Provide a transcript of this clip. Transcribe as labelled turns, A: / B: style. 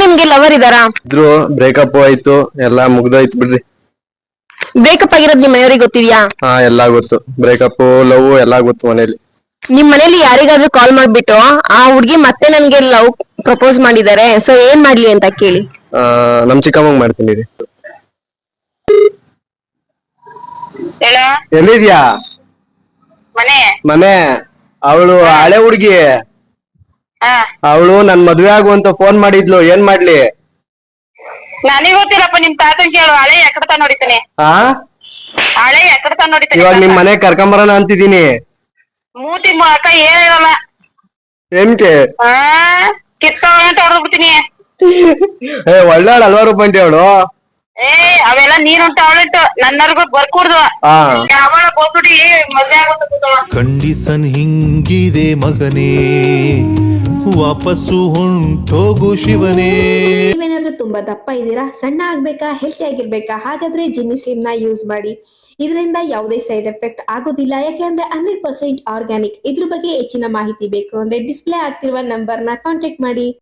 A: ನಿಮ್ಗೆ ಲವರ್ ಇದಾರಾ?
B: ಇದ್ರು, ಬ್ರೇಕಪ್ ಆಯ್ತು, ಎಲ್ಲಾ ಮುಗ್ದೋಯ್ತು ಬಿಡ್ರಿ.
A: ಬ್ರೇಕಪ್ ಆಗಿರೋದ್ ನಿಮ್ ಮನೆಯವ್ರಿಗೆ ಗೊತ್ತಿದ್ಯಾ?
B: ಹಾ, ಎಲ್ಲಾ ಗೊತ್ತು. ಬ್ರೇಕಪ್, ಲವ್ ಎಲ್ಲಾ ಗೊತ್ತು ಮನೇಲಿ.
A: ನಿಮ್ ಮನೇಲಿ ಯಾರಿಗಾದ್ರೂ ಕಾಲ್ ಮಾಡ್ಬಿಟ್ಟು ಆ ಹುಡ್ಗಿ ಮತ್ತೆ ನನ್ಗೆ ಲವ್ ಪ್ರಪೋಸ್ ಮಾಡಿದ್ದಾರೆ, ಸೊ ಏನ್ ಮಾಡ್ಲಿ ಅಂತ ಕೇಳಿ.
B: ನಮ್ ಚಿಕ್ಕಮ್ಮಂಗ್ ಮಾಡ್ತೀನಿ ರೀ. ಎಲ್ಲಿದ್ಯಾ? ಮನೆ. ಅವಳು ಹಳೆ ಹುಡ್ಗಿ. ಅವಳು ನನ್ ಮದ್ವೆ ಆಗುವಂತ ಫೋನ್ ಮಾಡಿದ್ಲು, ಏನ್ ಮಾಡ್ಲಿ?
C: ನನಗ್ ಗೊತ್ತಿಲ್ಲಪ್ಪ, ನಿಮ್ ತಾತನ್ ಕೇಳು. ಹಳೆ ಎಕಡ್ತ ನೋಡಿತಾನೆ. ಹಳೆ ಎಕಡ್ತ ನೋಡಿತಾನೆ.
B: ಇವಾಗ ನಿಮ್ ಮನೆ ಕರ್ಕೊಂಬರೋಣ ಅಂತಿದೀನಿ.
C: ಮೂತಿ ಅಕ್ಕ ಏನಿರಲ್ಲ.
B: ಏನ್ಕೆ?
C: ಕಿತ್ಕೊಂತ ಹೊಡೆದ್ ಬಿಡ್ತೀನಿ.
B: ಒಳ್ಳೆವಳು ಅಲ್ವಾ ರೂಪಂಟಿ ಅವಳು?
C: ಅವೆಲ್ಲ ನೀನುಂಟು ಅವಳಿಟ್ಟು ನನ್ನರ್ಗು ಬರ್ಕೂಡ್ದು. ಅವಳ ಬೋಗ್ಬಿಟ್ಟು ಮದ್ವೆ ಆಗೋದು.
D: ಕಂಡೀಸನ್ ಹಿಂಗಿದೆ ಮಗನೇ, ವಾಪಸ್ಸು ಹೊಂಟೋಗು ಶಿವನೇ.
E: ನೀವೇನಾದ್ರೂ ತುಂಬಾ ದಪ್ಪ ಇದ್ದೀರಾ, ಸಣ್ಣ ಆಗ್ಬೇಕಾ, ಹೆಲ್ತಿ ಆಗಿರ್ಬೇಕಾ? ಹಾಗಾದ್ರೆ ಜಿನ್ನಿ ಸ್ಲಿಮ್ ನ ಯೂಸ್ ಮಾಡಿ. ಇದರಿಂದ ಯಾವುದೇ ಸೈಡ್ ಎಫೆಕ್ಟ್ ಆಗೋದಿಲ್ಲ, ಯಾಕೆಂದ್ರೆ 100% ಆರ್ಗ್ಯಾನಿಕ್. ಇದ್ರ ಬಗ್ಗೆ ಹೆಚ್ಚಿನ ಮಾಹಿತಿ ಬೇಕು ಅಂದ್ರೆ ಡಿಸ್ಪ್ಲೇ ಆಗ್ತಿರುವ ನಂಬರ್ ನ ಕಾಂಟ್ಯಾಕ್ಟ್ ಮಾಡಿ.